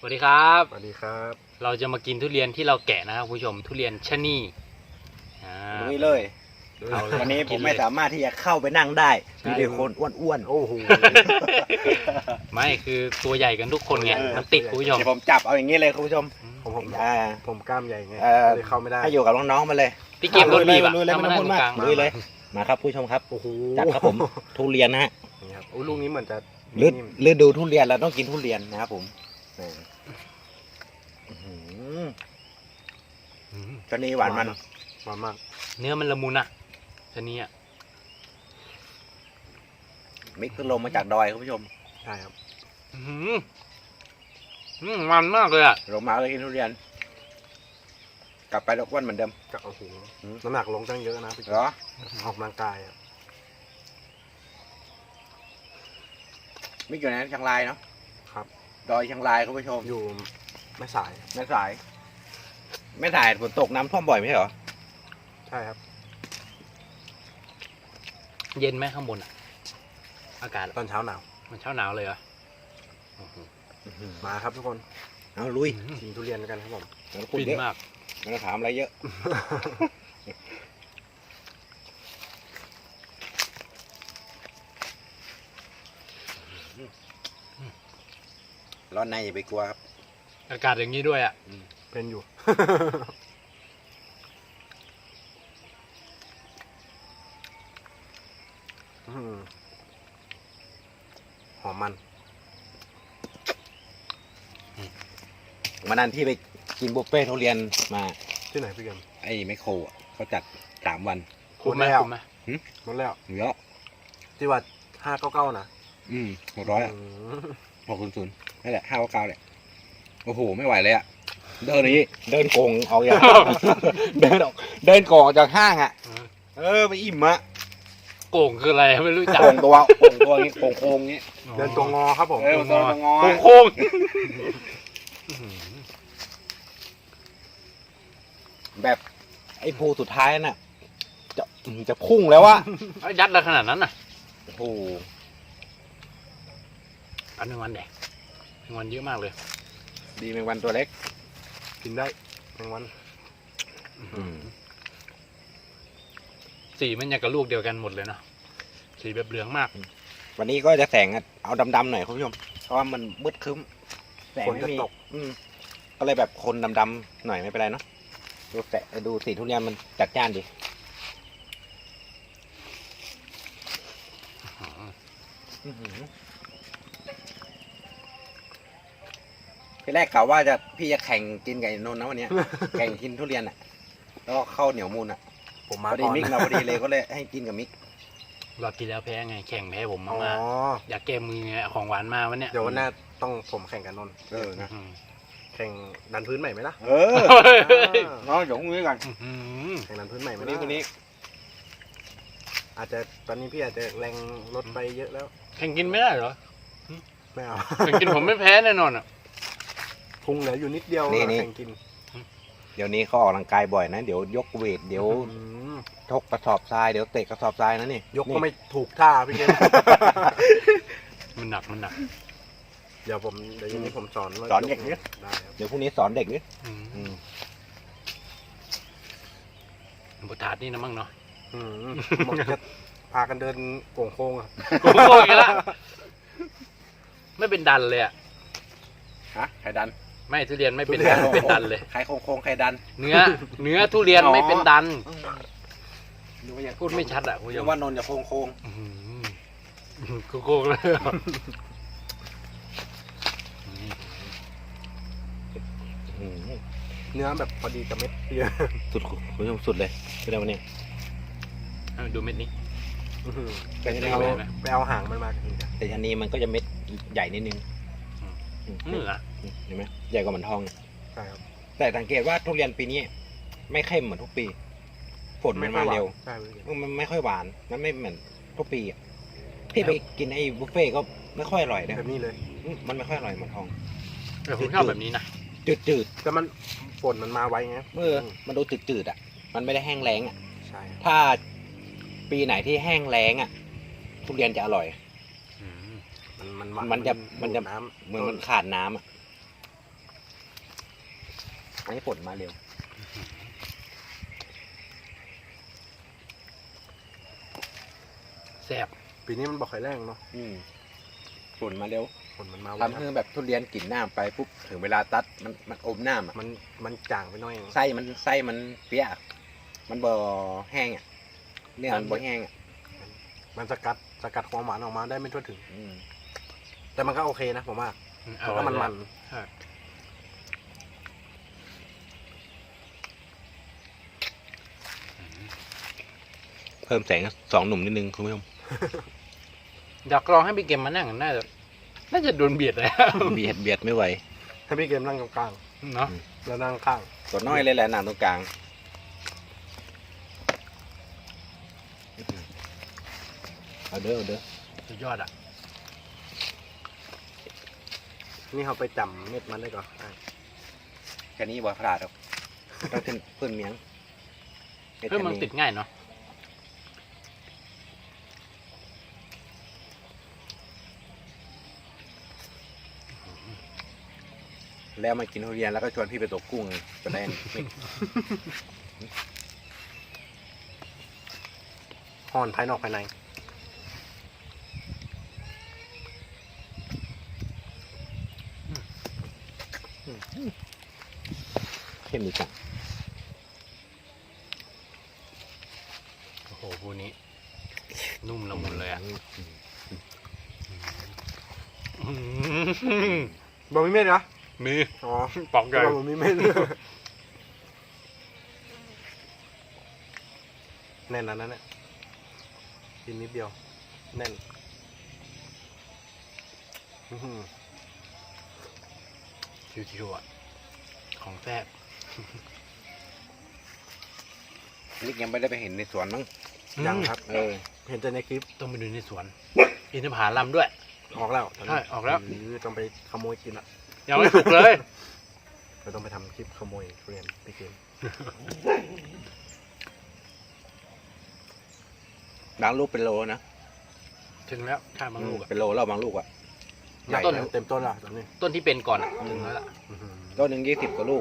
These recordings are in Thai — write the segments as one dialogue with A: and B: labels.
A: วัสดีครับ
B: สวัสดีครับ
A: เราจะมากินทุเรียนที่เราแกะนะครับคุณผู้ชมทุเรียนชะนี
C: ลุยเลย
A: เอาเลย
C: วันนี้ผ
A: กิ
C: ม
A: นเลย
C: ไม่สามารถที่จะเข้าไปนั่งได้มีแต่คนอ้วน
B: โอ้โห
A: ไม่คือตัวใหญ่กันทุกคนไง
B: เออ
A: มันติดคุณผู้ชม
C: เดี๋ยวผมจับเอาอย่างนี้เลยคุณผู้ชม
B: ผม
C: อ่า
B: ผมกล้ามใหญ่ไง
C: เอ่อ
B: เลยเข้าไม่ได้
C: ให้อยู่กับน้องๆมาเลย
A: พี่เกมรถบีบอะ
C: ลุยเลย
A: ถ้า
C: ไม่
A: มา
C: ต้อง
A: นั่ง
C: พูด
A: ตรงกลาง
C: มากลุยเลยมาครับผู้ชมครับ
B: โอ้โห
C: จัดครับผมทุเรียนนะฮะ
B: นี่ครับโอ้ลูกนี้เหมือนจะ
C: ฤดูทุเรียนเราต้องกินทุเรียนนะครับผมนี่อื้อหือ
A: อืม
C: ชะนีหวานมัน
B: หวานมาก
A: เนื้อมันละมุนอะชะนีอะ
C: มิกซ์ลงมาจากดอยคุณผู้ชม
B: ใช่ครับ
A: อื้อหือมันมากเลยอะ
C: ลงมาเลยกินทุเรียน กลับไปแล้วอ้วนเหมือนเดิม
B: ก็โอ้โห
C: อืม
B: น้ำหนักลงตั้งเยอะนะพี่
C: เหรอ
B: ออกกำลังกายอะ
C: มิกอยู่ไหนเชียงรายเนาะ
B: ครับ
C: ดอยเชียงรายคุณผู้ชม
B: อยู่แม่สาย
C: แม่สายฝนตกน้ำท่วมบ่อยไม่ใช่เหรอ
B: ใช่ครับ
A: เย็นไหมข้างบนอะอากาศ
B: ตอนเช้าหนาว
A: มันเช้าหนาวเลยเหรอโอ้โห
B: มาครับทุกคน
C: เอาลุย
B: กินทุเรียนกันครับผม
C: ไม่ต้องพูด
A: ฟิน
C: เยอะ
A: มาก
C: ไม่ต้องถามอะไรเยอะ ร้อนในอย่าไปกลัวครับ
A: อากาศอย่างนี้ด้วยอะ
B: เป็นอยู่ อืมหอมมัน
C: วันนั้นที่ไปกินบุฟเฟ่ต์ทุเรียนมา
B: ที่ไหนพี่เกม
C: ไอ้แมคโครอ่ะเขาจัด3 วัน
A: คุ้มไหม
B: แล้ว
A: คุ้มไหม
B: หมดแล้ว
C: เยอะ
B: ที่ว่า599นะ
C: 600อ่ะ
B: อืม
C: 600นั่นแหละ599แหละโอ้โหไม่ไหวเลยอ่ะเดินอย่างนี้เดินโกงออกอย่าง เดินโกงออกจากห้างอ่ะไปอิ่มอ่ะ
A: โก่งคืออะไรไม่รู้จัก
C: โกงตัวนี้โกงโค้งนี้
B: เดินตัวงอครับผม
C: ตัวงอ
A: โค้ง
C: แบบไอ้ภูสุดท้ายน่ะจะพุ่งแล้ววะ
A: ๆยัดอะไรขนาดนั้นน่ะ
C: โอ้โห
A: อันหนึ่งวันแดกหนึ่งวันเยอะมากเลย
C: ดีแมงวันตัวเล็ก
B: กินได้แมงวัน
A: สีมันอย่างกับลูกเดียวกันหมดเลยเนาะสีแบบเหลืองมาก
C: วันนี้ก็จะแสงเอาดำๆหน่อยคุณผู้ชมเพราะว่ามันมืดครึ้มแสง
B: ฝน
C: ไม่
B: จะ
C: มี
B: ตก
C: ก็เลยแบบคนดำๆหน่อยไม่เป็นไรเนาะดูสีทุเรียนมันจัดจ้านดีทีแรกกะว่าพี่จะแข่งกินกับไอ้นนท์นะวันเนี้ย แข่งกินทุเรียนอ่ะแล้วก็ข้าวเหนียวมูลอ่ะ
B: ผม
C: พ
B: มา
C: อดี
B: ก่อน
C: มิกมาพอดีเลยก็เลยให้กินกับมิก
A: รอบที่แล้วแพ้ไงแข่งแพ้ผม
B: อ๋อ
A: มากๆอยากแก้มือไงเอาของหวานมาวันเนี้ย
B: เดี๋ยววันหน้าต้องผมแข่งกับนนท์
C: นะ
A: อืม
B: แข่งดันพื้นใหม่ไหมล่ะ
C: เออน้องหยงมือกัน
A: อืม
B: แข่งดันพื้นใหม่ไหม
C: วัน
B: ล่ะ
C: นี้คนนี้
B: อาจจะตอนนี้พี่อาจจะแรงลดไปเยอะแล้ว
A: แข่งกินไม่ได้เหรอ
B: ไม่เอา
A: แข่งกินผมไม่แพ้แน่นอนอ่ะ
B: พุงเหลืออยู่นิดเดียว
C: นี่
B: แข่งกิน
C: เดี๋ยวนี้เขาออกกำลังกายบ่อยนะเดี๋ยวยกเวทเดี๋ยว
B: อืม
C: ชกกระสอบทรายเดี๋ยวเตะกระสอบทรายนะนี่
B: ยกก็ไม่ถูกท่าพี่เกม
A: มันหนักมันหนัก
B: เดี๋ยวเย็นนี้ผมสอนว่า
C: สอนเด็ก
B: ย
C: นี่
B: ได้ครับ
C: เดี๋ยวพรุ่งนี้สอนเด็กนี่
A: บทถาดนี่นะมั่งเนาะ
B: อืมผมจะพากันเดินโก่งโค้งๆอะ
A: โอ้โหอีกแล้วไม่เป็นดันเลยอ่ะ
C: ฮะไข่ดัน
A: ไม่ทุเรียนไม่เป็นดันเป็นดันเลย
C: ไข่โค้งไข่ดัน
A: เนื้อทุเรียนไม่เป็นดัน
C: ดูว่าอย่าง
A: พูดไม่ชัดอ่ะคุณผู้ช
C: นึ
A: ม
C: กว่านนท์จะโค้ง
A: โกงเลย
B: เนื้อแบบพอดีกับเม็ดพี่
C: สุดคุณผู้ชมสุดเลยเป็นไงวันนี้
A: ดูเม็ดนี้
C: เป็นไง
B: เอา
A: ไหม
B: ไปเอาหางมันมากินกัน
C: แต่อันนี้มันก็จะเม็ดใหญ่นิดนึง
A: เนื้อ
C: เห็นไหมใหญ่กว่าหมันทอง
B: ใช่ครับ
C: แต่สังเกตว่าทุเรียนปีนี้ ไม่เข้มเหมือนทุกปีฝนมันมาเร็ว
B: ใช่พี่เกม
C: มันไม่ค่อยหวานมันไม่เหมือนทุกปีอ่ะที่ไปกินไอ้บุฟเฟ่ต์ก็ไม่ค่อยอร่อยนะ
B: แบบนี้เลย
C: มันไม่ค่อยอร่อยเหมือนทอง
A: แต่ผมชอบแบบนี้นะ
C: จืด
B: แต่มันฝนมันมาไวไง
C: มันดูจืดอ่ะมันไม่ได้แห้งแล้งอ่ะ
B: ใช่
C: ถ้าปีไหนที่แห้งแล้งอ่ะทุเรียนจะอร่อย
B: มัน
C: มันจะ
B: ดูดน้
C: เหมือนมันขาดน้ำอ่ะ
B: ำ
C: อันนี้ฝนมาเร็ว
A: แซ่บ
B: ปีนี้มันบอกไข่แรงเนาะ
C: ฝนมาเร็ว
B: ฝนมันมาไว
C: ทำให้แบบทุเรียนกลิ่นน้ำไปปุ๊บถึงเวลาตัดมันอมน้ำอ่ะ
B: มันจางไปหน่อยเอง
C: ไส้มันเปียกมันบ่แห้งอ่ะเนื้อมันบ่แห้งอ่ะ
B: มันสกัดความหวานออกมาได้ไม่ทั่วถึง
C: อืม
B: แต่มันก็โอเคนะผมว่าเพราะว่ามัน
A: ใช่
C: เพิ่มแสง2 หนุ่มนิดนึงคุณผู้ชม
A: อยากลองให้พี่เกมมานั่งน่าจะโดนเบียดเลย
C: เบียดไม่ไหว
B: ให้พี่เกมนั่งกลาง
A: เนาะ
B: ๆแล้วนั่งข้าง
C: ตัวน้อยเลยแหละหนังตรงกลางเอาเด้อ
A: สุดยอดอ่ะ
B: นี่เขาไปจำเม็ดมันได้ก่อน
C: แค่นี้บ่พลาดหรอกต้องขึ้นเพิ่นเมียง
A: เพื่อมันติดง่ายเนาะ
C: แล้วมากินทุเรียนแล้วก็ชวนพี่ไปตกกุ้งจะได้ไม่
B: ห่อนภายนอกภายใน
C: เข้มดีจัง
A: โอ้โหพูนี้ นุ่มละมุนเลยอ่ะ
B: บอกมีเม็ดเหรอ
A: มี
B: อ๋อ
A: ปอกใหญ่
B: บอกมีเม็ด แน่นแล้วนั่นเนี่ยกินนิดเดียว แน่นอื้อหือ
A: ชิวๆอ่ะของแซ่บ
C: นิกยังไม่ได้ไปเห็นในสวนมั้ง
B: ยังครับ เห็นแต่ในคลิป
A: ต้องไปดูในสวน อินทผลัมด้วย
B: ออกแล้วตอนนี้
A: ใช่ออกแล้ว
B: หรือต้องไปขโมยกินละ
A: ยังไม่สุกเลย
B: เราต้องไปทำคลิปขโมยทุเรียนไปกิน
C: บางลูกเป็นโลนะ
A: ถึงแล้วข้ามบางลูกอะ
C: เป็นโลแล้วบางลูกอ่ะใหญ่
B: ต้น
C: แล้ว
B: เต็มต้นและตอนนี้
A: ต้นที่เป็นก่อนอะถึงแล้วล่ะ
B: อื้อหือ
C: ต้นหนึ่ง20 กว่าลูก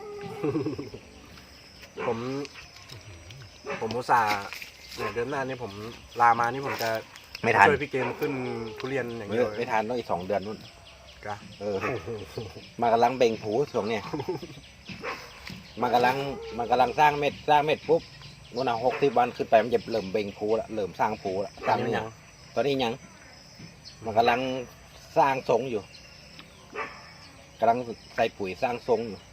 B: ผมอุตส่าห์เนี่ยเดือนหน้านี่ผมลามานี่ผมจะ
C: ไม่ทัน
B: ช่วยพี่เกมขึ้นทุเรียนอย่างนี้เลย
C: ไม่ทันต้องอีก2 เดือนนู่น
B: กะ
C: มากำลังเบ่งผูช่วงเนี้ยมันกำลังสร้างเม็ดปุ๊บนู่นน่ะ60 วันขึ้นไปมันจะเริ่มเบ่งผูละเริ่มสร้างผูละสร้างนี่ยังตอนนี้ยังมันกำลังสร้างทรงอยู่กำลังใส่ปุ๋ยสร้างทรงอยู่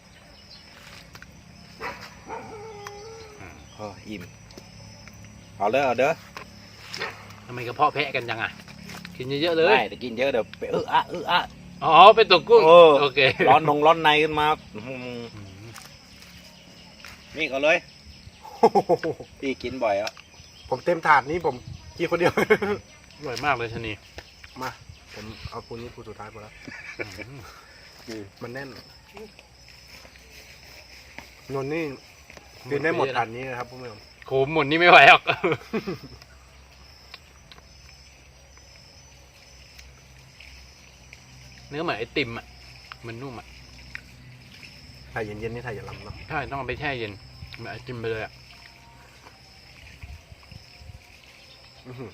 C: อิ่มเอาเด้อ
A: ทำไมกระเพาะแพะกันจังอ่ะ กินเยอะๆเลย
C: ได้แต่กินเยอะเดี๋ยวไปอะ
A: อ๋อไปตกกุ้ง โอเค
C: ร้อนในขึ้นมานี่ก็เลยพี่กินบ่อยอ่ะ
B: ผมเต็มถาดนี้ผมกินคนเดียว
A: อร่อยมากเลยชะนี
B: มาผมเอาปูนี้ปูสุดท้ายหมดแล้วมันแน่นนนนี่กินได้หมดถาดนี้นะครับผู้ชม
A: โขมหมดนี่ไม่ไหวหรอก เนื้อเหมือนไอติมอ่ะ มันนุ่มอ่ะ
B: ถ่ายเย็นๆนี่ถ่ายอย่าลำเนาะ
A: ใช่ ต้องเอาไปแช่เย็นเหมือนไอติมไปเลยอ่ะ
B: อื้อหือ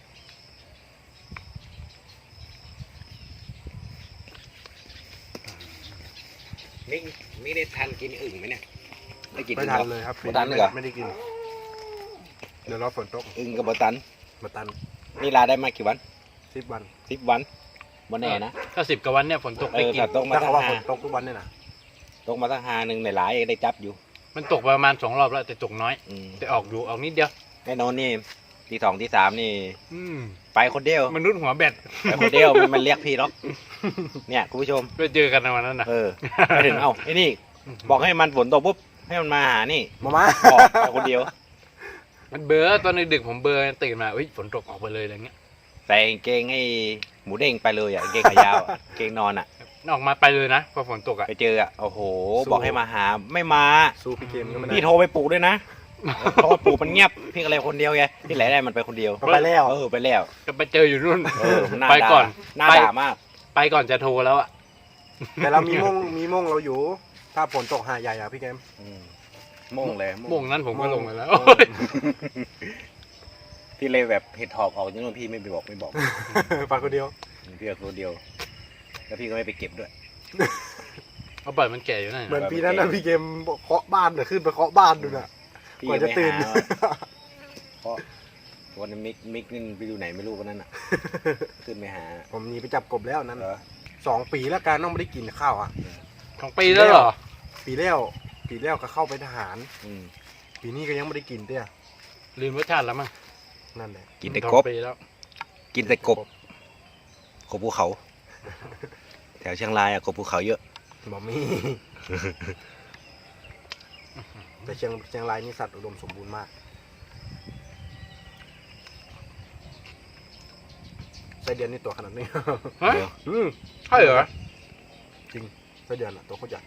C: นี่ได้ทันกินอึ่งไหมเนี่ยได้กิน
B: ไม่ทันเลยครับ
C: บ่ทันเลยเหรอ
B: ไม่ได้กิน เดี๋ยวรอฝนตก
C: อึ่งกับบ่ตัน
B: มาตัน
C: นี่ลาได้มากี่วัน
B: 10 วัน
C: 10 วันบ่แน่นะ
A: ถ้า10 กว่าวันเนี่ยฝนตกได้กิน
C: ถ้าตกมา
B: ถ้า
C: สั
B: เขา
C: ก
B: ว่าฝ
C: หาน
B: ตกทุกวันเนี่ยนะ
C: ตกมาสักหาหนึ่งในหลายได้จับอยู่
A: มันตกประมาณ2 รอบแล้วแต่ตกน้อย แต่ออกนิดเดียว
C: แน่นอนนี่ที่2ที่3นี่ ไปคนเดียว
A: มนุษย์หัวแบต
C: ไปคนเดียวมันเรียกพี่หรอกเนี่ยคุณผู้ชม
A: ไปเจอกันในวันนั้นนะ
C: ไปถึงเอ้าไอ้นี่ บอกให้มันฝนตกปุ๊บให้มันมาหานี่
B: มา
C: บอกไปคนเดียว
A: มันเบลอตอนดึกๆผมเบลอตื่นมาฝนตกออกไปเลยอะไรเงี้ย
C: ใส่กางเกงให้หมูเด้งไปเลยอ่ะกางเกงขายาวอะกางเกงนอนอ่ะ
A: ออกมาไปเลยนะพอฝนตกอ่ะ
C: ไปเจออ่ะโอ้โห บอกให้มาหาไม่มา
B: สู้พี่เกมก็ไม่ได้
C: พี่โทรไปปลุกด้วยนะเพราะว่าปลุกมันเงียบพี่อะไรคนเดียวไงที่ไหนได้มันไปคนเดียว
B: ไปแล้ว
C: ไปแล้ว
A: ก็ไปเจออยู่นู่น
C: มันน่า
A: ไป
C: ด่า
A: ก่อน
C: น่า
A: ไป
C: ด่ามาก
A: ไปก่อนจะโทรแล้วอ่ะ
B: แต่เรามีม่งเราอยู่ถ้าฝนตกหาดใหญ่อะพี่เกม
C: โม่งเลย
A: โมงนั้นผมก็ลงมาแล้ว
C: พี่เลยแบบเห็ดถอบออกจนพี่ไม่บอก
B: ฟังคนเดียว
C: พี่เอาตัวเดียว แล้วพี่ก็ไม่ไปเก็บด้วย
A: เอาปล่อยมันแก่อยู่นั่น
B: เหมือนปีนั้นนะพี่เกมเคาะบ้านน่ะขึ้นไปเคาะบ้านดูน่ะ
C: พี่
B: กว่าจะตื่น
C: ไปหาเพราะวันนั้นมิกนี่ไปอยู่ไหนไม่รู้วันนั้นอ่ะ ขึ้นไปหา
B: ผมหนีไปจับกบแล้วนั้น
C: เหรอ
B: 2 ปีแล้วการต้องไม่ได้กินข้าวอ่ะ
A: ของปีแล้วเหรอ
B: ปีแล้วก็เข้าไปทหาร
C: อืม
B: ปีนี้ก็ยังไม่ได้กินเตี้ย
A: ลืมรสชาติแล้วมั้ง
B: นั่นแหละ
C: กินแต่
A: สอง
C: กบ
A: ปีแล้ว
C: กินแต่กบภูเขา แถวเชียงรายอ่ะกบภูเขาเยอะ
B: บอมี่ แต่เชียงรายนี่สัตว์อุดมสมบูรณ์มากไส้เดือนนี่ตัวขนาดนี้
A: ฮะ
C: เดี๋ยว
A: ใช่เหรอ
B: ไส้เดือนอ่ะตัวโคตรใหญ่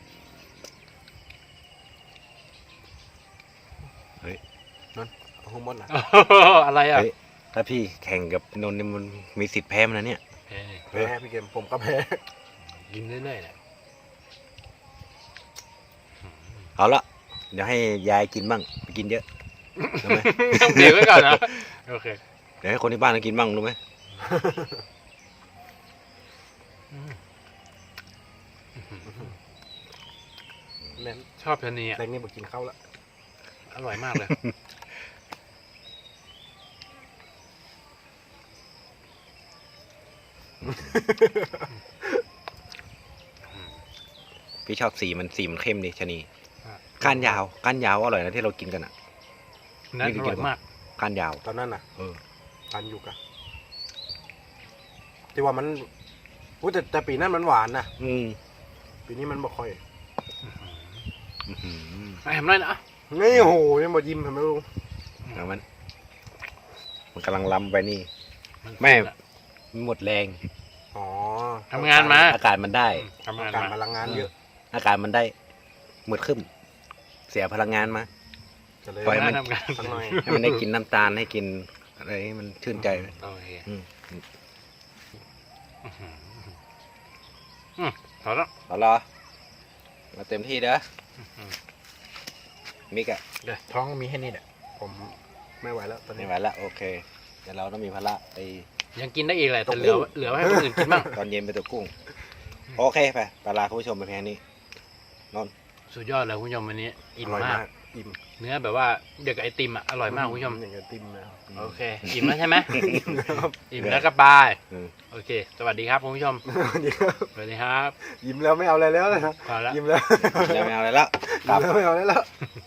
B: นั่นเอาหุ้มมดนะ
A: อะไรอ่ะ
C: เฮ้ย ถ้าพี่แข่งกับนนท์เนี่ยมันมีสิทธิ์แพ้มันนะเนี่ย
B: แพ้พี่เกมผมก็แพ้
A: กินเรื่อยๆแหละ
C: เอาละเดี๋ยวให้ยายกินบ้างไปกินเยอะรู้ไหม
A: เดี๋ยวไว้ก่อนนะโอเค
C: เดี๋ยวให้คนที่บ้านกินบ้างรู้ไหม
B: แม่น
A: ชอบชะนีอ่ะ
B: แรงนี่บอกกินข้าวละ
A: อร่อยมากเลย
C: พี่ชอบสีมันเข้มดีชะนีก้านยาวอร่อยนะที่เรากินกันอ่ะ
A: นั่นอร่อยมาก
C: ก้านยาว
B: ตอนนั้นน่ะ
C: เออ
B: ทานอยู่กะที่ว่ามันอุ๊ยแต่ปีนั้นมันหวานนะ
C: อืม
B: ปีนี้มันบ่ค่อย
C: อื้อหือ
A: ไอ้ทำไรนะ
B: นี่โอ้โหยังบ่ยิ้มทำไมลุง
C: แล้วมันกำลังล้ำไปนี่ แม่ มันหมดแรง
B: อ๋อ
A: ทำงานมา
C: อากาศมันได้
A: ทำงาน
B: การพ
A: มา
B: ลังงานเยอะ
C: อากาศมันได้มืดขึ้น เสียพลังงานมา
B: จะเลย
C: ปล่อยมัน
A: ทำงาน
B: สักหน่อย
C: ให้มันได้กินน้ำตาลให้กินอะไรให้มันชื่นใจ
A: โอเค
C: อืม
A: พอแล้ว
C: เอาละมาเต็มที่เด้อมิกอะ
B: เดี๋ยวท้องมีแค่นี้แหละผมไม่ไหวแล้วตอน
C: ไม่
B: นี้
C: ไหวละโอเคเดี๋ยวเราต้องมีภาระไป
A: ยังกินได้อีกแหละแต่เหลือไว้ให้คนอื่นกินบ้าง
C: ตอนเย็นไปตัวกุ้ง โอเคไปปลาคุณผู้ชมไปแค่นี้
A: สุดยอดเลยคุณผู้ชมวันนี้
B: อ
A: อิ่ม
B: ร่อย
A: มาก
B: มากอิ่ม
A: เนื้อแบบว่าเด็กบไอติมอ่ะอร่อยมากคุณผู้ชม
B: อย่างกับติมแล้ว
A: โอเคอิ่มแล้วใช่ไหม
B: ครับ
A: อิ่มแล้วก็บาย
C: อืม
A: โอเค สวัสดีครับคุณผู้ชม
B: เดี๋ยว
A: สวัสดีครับ
B: ยิ้มแล้วไม่เอาอะไรแล้วนะ
A: พอแล้ว
B: ยิ้มแล้ว
C: แล้วไม่เอาอะไรแล้ว
B: ยิ้มแล้วไม่เอาอะไรแล้ว